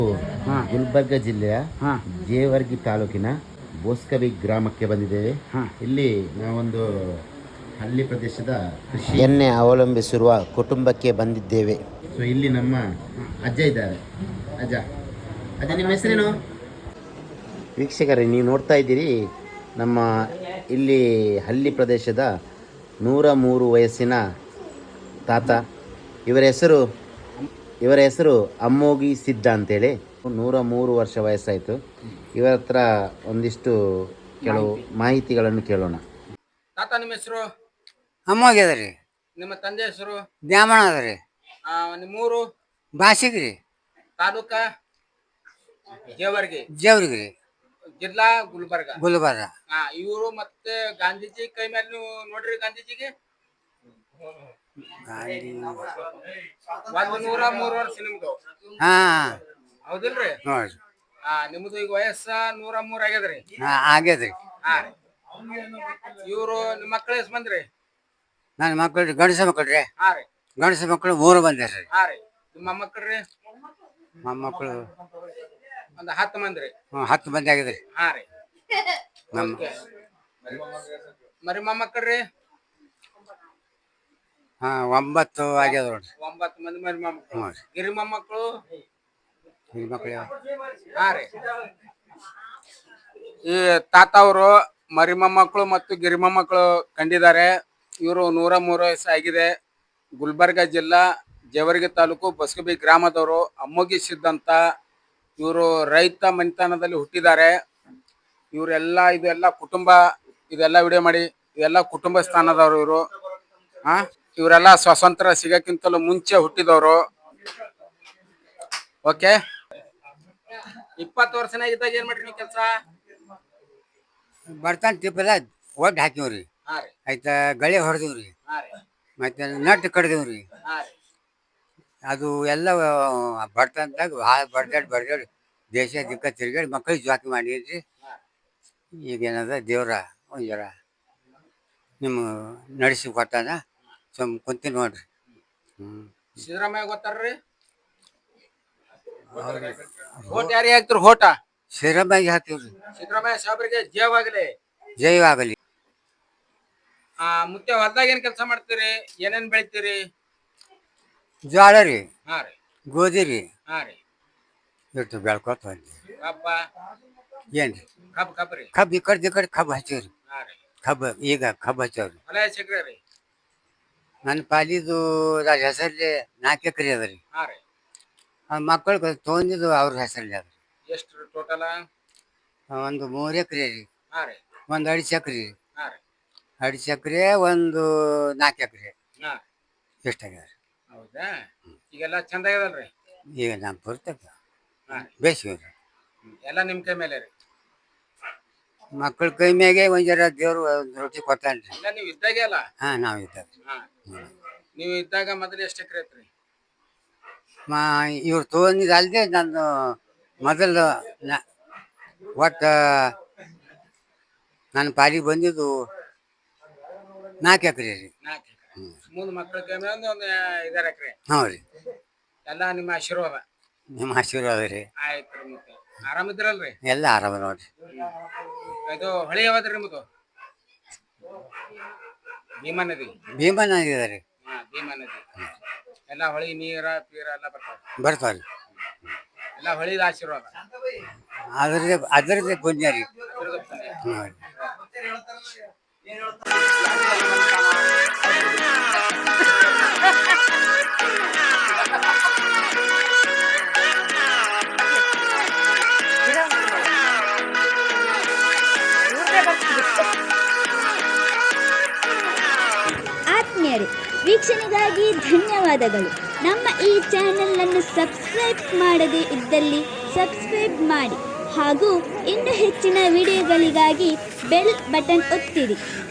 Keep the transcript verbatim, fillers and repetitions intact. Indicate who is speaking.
Speaker 1: ಗುಲ್ಬರ್ಗ ಜಿಲ್ಲೆಯ ಜೇವರ್ಗಿ ತಾಲೂಕಿನ ಬೋಸ್ಕವಿ ಗ್ರಾಮಕ್ಕೆ ಬಂದಿದ್ದೇವೆ. ಇಲ್ಲಿ ನಾವೊಂದು ಹಳ್ಳಿ ಪ್ರದೇಶದ ಕೃಷಿಯನ್ನೇ ಅವಲಂಬಿಸಿರುವ ಕುಟುಂಬಕ್ಕೆ ಬಂದಿದ್ದೇವೆ. ಸೊ ಇಲ್ಲಿ ನಮ್ಮ ಅಜ್ಜ ಇದ್ದಾರೆ. ಅಜ್ಜ ಅಜ್ಜ ನಿಮ್ಮ ಹೆಸರೇನು? ವೀಕ್ಷಕರೇ, ನೀವು ನೋಡ್ತಾ ಇದ್ದೀರಿ ನಮ್ಮ ಇಲ್ಲಿ ಹಳ್ಳಿ ಪ್ರದೇಶದ ನೂರ ಮೂರು ವಯಸ್ಸಿನ ತಾತ. ಇವರ ಹೆಸರು ಇವರ ಹೆಸರು ಅಮ್ಮೋಗಿ ಸಿದ್ಧ ಅಂತೇಳಿ. ನೂರ ಮೂರು ವರ್ಷ ವಯಸ್ಸಾಯಿತು. ಇವರ ಹತ್ರ ಒಂದಿಷ್ಟು ಕೆಲವು ಮಾಹಿತಿಗಳನ್ನು ಕೇಳೋಣ.
Speaker 2: ತಾತ ನಿಮ್ಮ ಹೆಸರು?
Speaker 3: ಅಮ್ಮೋಗಿ ಅದ ರೀ.
Speaker 2: ನಿಮ್ಮ ತಂದೆ ಹೆಸರು?
Speaker 3: ದ್ಯಾಮಣ ಅದ ರೀ.
Speaker 2: ನಿಮ್ಮೂರು?
Speaker 3: ಬಾಸಿಗೆ ರೀ.
Speaker 2: ತಾಲೂಕ? ಜೇವರ್ಗಿ.
Speaker 3: ಜೇವರ್ಗಿ ರೀ.
Speaker 2: ಜಿಲ್ಲಾ ಗುಲ್ಬರ್ಗ.
Speaker 3: ಗುಲ್ಬರ್ಗ.
Speaker 2: ಹಾ, ಇವರು ಮತ್ತೆ ಗಾಂಧೀಜಿ ಕೈ ಮೇಲೆ ನೀವು ನೋಡ್ರಿ. ಗಾಂಧೀಜಿಗೆ ಒಂದು ನೂರ ಮೂರು ವರ್ಷ ನಿಮ್ದು.
Speaker 3: ಹಾ
Speaker 2: ಹೌದಿಲ್ರಿ?
Speaker 3: ನೋಡ್ರಿ.
Speaker 2: ಹಾ, ನಿಮ್ದು ಈಗ ವಯಸ್ಸ ನೂರ ಮೂರ್ ಆಗ್ಯದ್ರಿ.
Speaker 3: ಆಗ್ಯದ್ರಿ.
Speaker 2: ಹಾ ರೀ. ಇವ್ರು ನಿಮ್ಮ ಮಕ್ಕಳು ಎಷ್ಟು ಬಂದ್ರಿ?
Speaker 3: ನನ್ನ ಮಕ್ಕಳು ಗಂಡಸ ಮಕ್ಕಳು ರೀ.
Speaker 2: ಹಾ ರೀ.
Speaker 3: ಗಂಡಸ ಮಕ್ಕಳು ಮೂರು ಬಂದ್ರಿ.
Speaker 2: ಹಾ ರೀ. ನಿಮ್ಮ ಮೊಮ್ಮಕ್ಕಳ್ರಿ?
Speaker 3: ಮೊಮ್ಮಕ್ಕಳು
Speaker 2: ಒಂದು ಹತ್ತು ಮಂದಿ ರೀ.
Speaker 3: ಹ್ಞೂ ಹತ್ತು ಮಂದಿ ಆಗಿದ್ರಿ.
Speaker 2: ಹಾ ರೀ.
Speaker 3: ನಮ್ಮ
Speaker 2: ಮರಿ ಮೊಮ್ಮಕ್ಕಳ್ರಿ?
Speaker 3: ಹಾ ಒಂಬತ್ತು ಆಗ್ಯದ ನೋಡ್ರಿ.
Speaker 2: ಒಂಬತ್ತು ಮಂದಿ ಮರಿ ಮೊಮ್ಮಕ್ಕಳು. ಗಿರಿ ಮೊಮ್ಮಕ್ಕಳು?
Speaker 3: ಗಿರಿ ಮಕ್ಕಳು
Speaker 2: ಹಾ ರೀ. ಈ ತಾತ ಅವರು ಮರಿ ಮೊಮ್ಮಕ್ಕಳು ಮತ್ತು ಗಿರಿ ಮೊಮ್ಮಕ್ಕಳು ಕಂಡಿದ್ದಾರೆ. ಇವರು ನೂರ ಮೂರು ವಯಸ್ಸು ಆಗಿದೆ. ಗುಲ್ಬರ್ಗ ಜಿಲ್ಲಾ ಜೇವರ್ಗಿ ತಾಲೂಕು ಬಸ್ಕಬಿ ಗ್ರಾಮದವರು. ಅಮ್ಮೋಗಿ ಸಿದ್ದಂತ ಇವರು ರೈತ ಮನೆತನದಲ್ಲಿ ಹುಟ್ಟಿದ್ದಾರೆ. ಇವರೆಲ್ಲ ಇದೆಲ್ಲ ಕುಟುಂಬ, ಇದೆಲ್ಲ ವಿಡಿಯೋ ಮಾಡಿ, ಇದೆಲ್ಲ ಕುಟುಂಬ ಸ್ಥಾನದವರು ಇವರು. ಹಾ, ಇವರೆಲ್ಲ ಸ್ವಾತಂತ್ರ್ಯ ಸಿಗಕ್ಕಿಂತಲೂ ಮುಂಚೆ ಹುಟ್ಟಿದವರು. ಓಕೆ. ಇಪ್ಪತ್ತು ವರ್ಷನ ಇದ್ದಾಗ ಏನ್ ಮಾಡ್ರಿ ನೀವು ಕೆಲಸ?
Speaker 3: ಬರ್ತಾನ ಟಿಪ್ಪದ ಒಡ್ಡು ಹಾಕಿವ್ರಿ.
Speaker 2: ಹಾ ರೀ.
Speaker 3: ಆಯ್ತಾ ಗಳೆ ಹೊಡೆದಿವ್ರಿ.
Speaker 2: ಹಾ ರೀ.
Speaker 3: ಮತ್ತೆ ನಟ್ಟು ಕಡ್ದಿವ್ರಿ.
Speaker 2: ಹಾ ರೀ.
Speaker 3: ಅದು ಎಲ್ಲ ಬರ್ತಂತಾಗ ಭಾಳ ಬಡ್ದಾಡಿ ಬಡ್ದಾಡಿ ದೇಶ ದಿಕ್ಕ ತಿರ್ಗಾಡಿ ಮಕ್ಕಳಿಗೆ ಜಾಕಿ ಮಾಡಿದ್ರಿ. ಈಗೇನದ ದೇವ್ರ ಒಂದು ಜರ ನಿಮ್ಮ ನಡೆಸಿ ಕೊಟ್ಟಾನ. ಸುಮ್ ಕುಂತೀನಿ ನೋಡ್ರಿ. ಹ್ಮ್
Speaker 2: ಸಿದ್ದರಾಮಯ್ಯ ಗೊತ್ತಾರ್ರಿ? ಹೋಟ ಯಾರಿಗೆ ಹಾಕ್ತಿರಿ? ಹೋಟ
Speaker 3: ಸಿದ್ದರಾಮಯ್ಯ ಹಾಕ್ತಿವ್ರಿ.
Speaker 2: ಸಿದ್ದರಾಮಯ್ಯ ಸಾಹೇಬ್ರಿಗೆ ಜಯವಾಗಲಿ.
Speaker 3: ಜಯವಾಗಲಿ.
Speaker 2: ಆ ಮುತ್ತೆ ಹೊಲ್ದಾಗ ಏನ್ ಕೆಲಸ ಮಾಡ್ತೀರಿ? ಏನೇನ್ ಬೆಳಿತೀರಿ?
Speaker 3: ಜೋಳ ರೀ.
Speaker 2: ಹಾ ರೀ.
Speaker 3: ಗೋಧಿ ರೀ.
Speaker 2: ಹಾ ರೀ.
Speaker 3: ಇಟ್ಟು ಬೆಳ್ಕೊತ ಬಂದ್ವಿ.
Speaker 2: ಕಬ್ಬ?
Speaker 3: ಏನ್ರಿ?
Speaker 2: ಕಬ್ಬ್ ಕಬ್ಬ ರೀ.
Speaker 3: ಕಬ್ಬು ಈ ಕಡೆ ಈ ಕಡೆ ಕಬ್ಬು ಹಚ್ಚಿವ್ರಿ.
Speaker 2: ಹಾ ರೀ.
Speaker 3: ಕಬ್ಬು ಈಗ ಕಬ್ಬು ಹಚ್ಚವ್ರಿ.
Speaker 2: ಹೊಲ ಎಷ್ಟ್ ರೀ?
Speaker 3: ನನ್ನ ಪಾಲಿದು ಹೆಸರಲ್ಲಿ ನಾಲ್ಕು ಎಕರೆ ಅದ ರೀ.
Speaker 2: ಹಾ ರೀ.
Speaker 3: ಮಕ್ಕಳು ತೊಗೊಂಡಿದ್ದು ಅವ್ರ ಹೆಸರಲ್ಲಿ ಅದ ರೀ.
Speaker 2: ಎಷ್ಟು ಟೋಟಲ?
Speaker 3: ಒಂದು ಮೂರು ಎಕರೆ ರೀ.
Speaker 2: ಹಾ ರೀ.
Speaker 3: ಒಂದು ಅಡಿಸಿ ಎಕರೆ ರೀ.
Speaker 2: ಹಾ ರೀ.
Speaker 3: ಅಡಿಸಿ ಎಕರೆ ಒಂದು ನಾಲ್ಕು ಎಕರೆ.
Speaker 2: ಹಾ.
Speaker 3: ಎಷ್ಟಾಗ್ಯದ ರೀ?
Speaker 2: ಹೌದಾ? ಈಗೆಲ್ಲ ಚಂದ ಆಗ್ಯದಲ್ರಿ?
Speaker 3: ಈಗ ನಮ್ಮ ಪುರ್ತಕ
Speaker 2: ಹಾ.
Speaker 3: ಬೇಸಿಗೆ ರೀ.
Speaker 2: ಎಲ್ಲ ನಿಮ್ ಕೈ ಮೇಲೆ ರೀ.
Speaker 3: ಮಕ್ಕಳ ಕೈ ಮ್ಯಾಗೆ ಒಂದ್ ಜರ ದೇವ್ರು ಒಂದು ರೊಟ್ಟಿ ಕೊಟ್ಟಾನ್ರಿ.
Speaker 2: ಇಲ್ಲ ನೀವು ಇದ್ದಾಗೆ ಅಲ್ಲ?
Speaker 3: ಹಾ, ನಾವು ಇದ್ದಾಗ.
Speaker 2: ಹಾ. ನೀವು ಇದ್ದಾಗ ಮೊದಲು ಎಷ್ಟು ಎಕರೆ ಐತ್ರಿ?
Speaker 3: ಮಾ ಇವ್ರು ತೊಗೊಂಡಿದ್ದು ಅಲ್ಲದೆ ನಾನು ಮೊದಲು ಒಟ್ಟು ನನ್ನ ಪಾಲಿಗೆ ಬಂದಿದ್ದು ನಾಲ್ಕು ಎಕರೆ ರೀ.
Speaker 2: ನಾಲ್ಕು ಎಕರೆ. ಮೂರು ಮಕ್ಕಳ ಕೈ ಮೇಲೆ ಒಂದು ಒಂದು ಐದಾರು ಎಕರೆ.
Speaker 3: ಹ್ಞೂ ರೀ.
Speaker 2: ಎಲ್ಲ ನಿಮ್ಮ ಆಶೀರ್ವಾದ.
Speaker 3: ನಿಮ್ಮ ಆಶೀರ್ವಾದ ರೀ.
Speaker 2: ಆಯ್ತು ರೀ. ಮತ್ತೆ ಆರಾಮಿದ್ರಲ್ರಿ?
Speaker 3: ಎಲ್ಲ ಆರಾಮ ನೋಡ್ರಿ.
Speaker 2: ಇದು ಹೊಳಿ ಯಾವ್ದ್ರಿ ನಿಮ್ಮದು? ಭೀಮಾ ನದಿ.
Speaker 3: ಭೀಮಾ ನದಿ ಅದ ರೀ.
Speaker 2: ಹಾ, ಭೀಮಾ ನದಿ. ಎಲ್ಲ ಹೊಳಿ ನೀರ ಪೀರ ಎಲ್ಲ ಬರ್ತಾವ?
Speaker 3: ಬರ್ತಾವ್ರಿ.
Speaker 2: ಎಲ್ಲ ಹೊಳಿದ ಆಶೀರ್ವಾದ.
Speaker 3: ಅದ್ರದ್ದೇ ಅದ್ರದ್ದೇ ಪುಣ್ಯ ರೀ. ಹ್ಞೂ ರೀ.
Speaker 4: ಆತ್ಮೀಯರೇ, ವೀಕ್ಷಣೆಗಾಗಿ ಧನ್ಯವಾದಗಳು. ನಮ್ಮ ಈ ಚಾನೆಲನ್ನು ಸಬ್ಸ್ಕ್ರೈಬ್ ಮಾಡದೇ ಇದ್ದಲ್ಲಿ ಸಬ್ಸ್ಕ್ರೈಬ್ ಮಾಡಿ ಹಾಗೂ ಇನ್ನೂ ಹೆಚ್ಚಿನ ವಿಡಿಯೋಗಳಿಗಾಗಿ ಬೆಲ್ ಬಟನ್ ಒತ್ತಿರಿ.